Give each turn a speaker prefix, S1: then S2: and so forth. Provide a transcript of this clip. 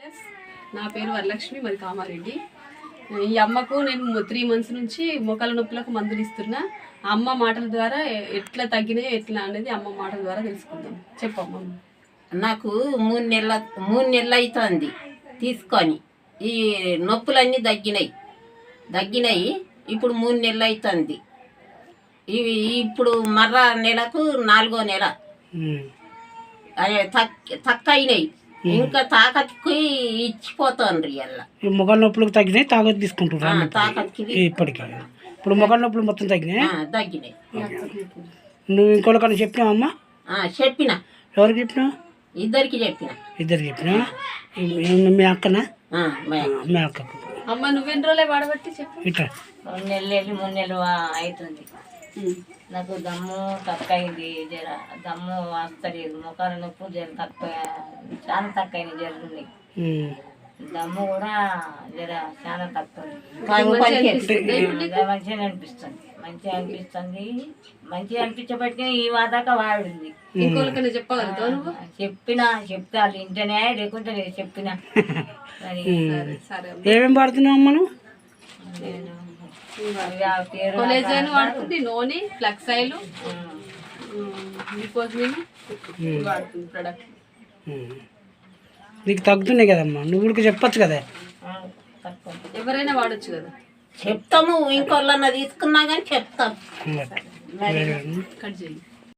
S1: నా పేరు వరలక్ష్మి, మరి కామారెడ్డి. ఈ అమ్మకు నేను 3 months నుంచి మోకాళ్ళ నొప్పులకు మందులు ఇస్తున్నా. అమ్మ మాటల ద్వారా ఎట్లా తగ్గినాయో ఎట్లా అనేది అమ్మ మాటల ద్వారా తెలుసుకుందాం. చెప్పమ్మా.
S2: నాకు 3 నెలలు అవుతుంది తీసుకొని. ఈ నొప్పులన్నీ తగ్గినాయి. ఇప్పుడు 3 నెలలు అవుతుంది. ఇవి ఇప్పుడు మర్ర నెలకు 4వ నెల తక్కువ అయినాయి. ఇంకా తాకత్కి ఇచ్చిపోతాండ్రి. అలా
S3: మొగల నొప్పులకు తగ్గినాయి, తాకత్ తీసుకుంటున్నారు ఇప్పటికి. ఇప్పుడు మొగల నొప్పులు మొత్తం తగ్గినాయి. నువ్వు ఇంకోళ్ళకన్నా చెప్పినావమ్మా?
S2: చెప్పిన.
S3: ఎవరికి చెప్పినావు?
S2: ఇద్దరికి చెప్పిన.
S3: మీ అక్కనా? మీ అక్కకు.
S1: అమ్మ నువ్వెన్ని రోజులే వాడబట్టి చెప్పు.
S3: ఇట్లా
S4: 2 నెలలు 3 నెలలు అవుతుంది. నాకు దమ్ము తక్కువ అయింది. జర దమ్ము వస్తలేదు. ముఖాల నొప్పు జర తక్కువ, చాలా తక్కువ అయినాయి. జరుగుతుంది దమ్ము కూడా జర చాలా తక్కువ. మంచిగా అనిపిస్తుంది. మంచిగా అనిపించబట్టి ఈ వాదాక వాడింది.
S1: ఇంకోళ్ళకన్నా చెప్పగలుగుతావు నువ్వు?
S4: చెప్తే వాళ్ళు ఇంటనే, లేకుంటే లేదు. చెప్పినా
S3: ఏమేమి వాడుతున్నావు అమ్మ నువ్వు?
S4: నేను
S1: కొలేజన్ వాడుతుంది, నూనె, ఫ్లక్స్ ఆయిల్, గ్లూకోజ్మిన్ వాడుతుంది ప్రొడక్ట్.
S3: నీకు తగ్గుతున్నాయి కదమ్మా, నువ్వు కూడా చెప్పచ్చు కదా.
S1: ఎవరైనా వాడచ్చు కదా.
S2: చెప్తాము. ఇంకోళ్ళన్నా తీసుకున్నా కానీ చెప్తాం.
S1: కట్ చేయండి.